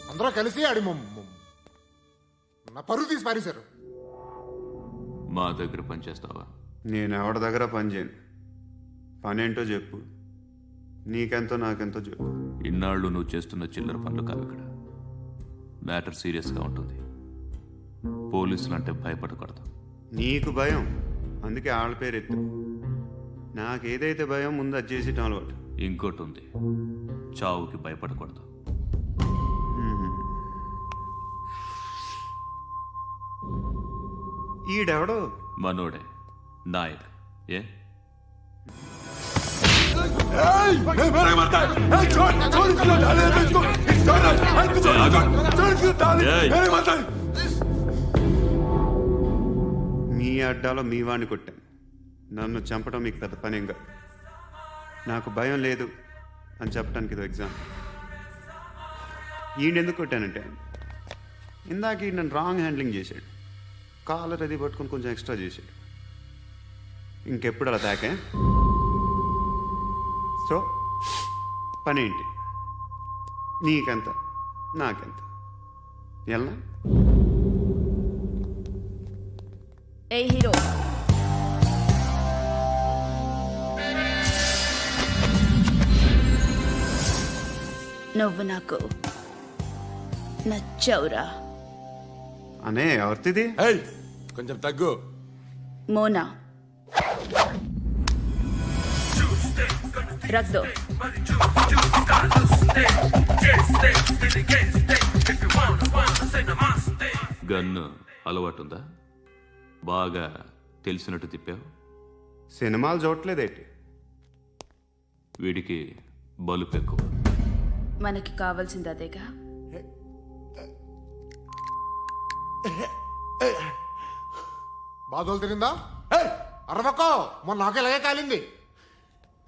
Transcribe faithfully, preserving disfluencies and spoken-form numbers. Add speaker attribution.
Speaker 1: అందరూ కలిసి ఆడి మొ- మొ- నా పరువు తీసి పారేశారు.
Speaker 2: మా దగ్గర పనిచేస్తావా?
Speaker 3: నేను ఎవరి దగ్గర పని చేయను. పని ఏంటో చెప్పు. నీకెంతో నాకెంతో చెప్పు.
Speaker 2: ఇన్నాళ్ళు నువ్వు చేస్తున్న చిల్లర పనులు కావు ఇక్కడ. మ్యాటర్ సీరియస్గా ఉంటుంది. పోలీసులు అంటే భయపడకూడదు.
Speaker 3: నీకు భయం, అందుకే ఆళ్ళ పేరు ఎత్తు. నాకేదైతే భయం ముందు అది చేసేటం అలవాటు.
Speaker 2: ఇంకోటి ఉంది, చావుకి భయపడకూడదు.
Speaker 3: ఈడెవడో
Speaker 2: మనోడే నాయక్. ఏ
Speaker 3: మీ అడ్డాలో మీ వాడిని కొట్టాను. నన్ను చంపడం మీకు పెద్ద పనేం కాదు. నాకు భయం లేదు అని చెప్పడానికి ఇది ఎగ్జామ్. ఈయనెందుకు కొట్టానంటే ఇందాక ఈ నన్ను రాంగ్ హ్యాండ్లింగ్ చేశాడు. కాలర్ అది పట్టుకొని కొంచెం ఎక్స్ట్రా చేశాడు. ఇంకెప్పుడు అలా తాకే. సో పని ఏంటి? నీకెంత నాకెంత ఎలా?
Speaker 4: ఏ హీరో, నువ్వు నాకు నచ్చవురా.
Speaker 3: అనే ఎవరిది?
Speaker 1: ఏయ్ కొంచెం తగ్గు.
Speaker 4: మోనా రక్ దో.
Speaker 2: గన్ను అలవాటుందా? బాగా తెలిసినట్టు తిప్పావు.
Speaker 3: సినిమాలు చూడట్లేదేంటి?
Speaker 2: వీడికి బలుపు ఎక్కువ.
Speaker 4: మనకి కావాల్సింది అదేగా.
Speaker 1: బాధలు తిరిందా? అరవకో, మొన్న నాకు ఇలాగే కాలింది.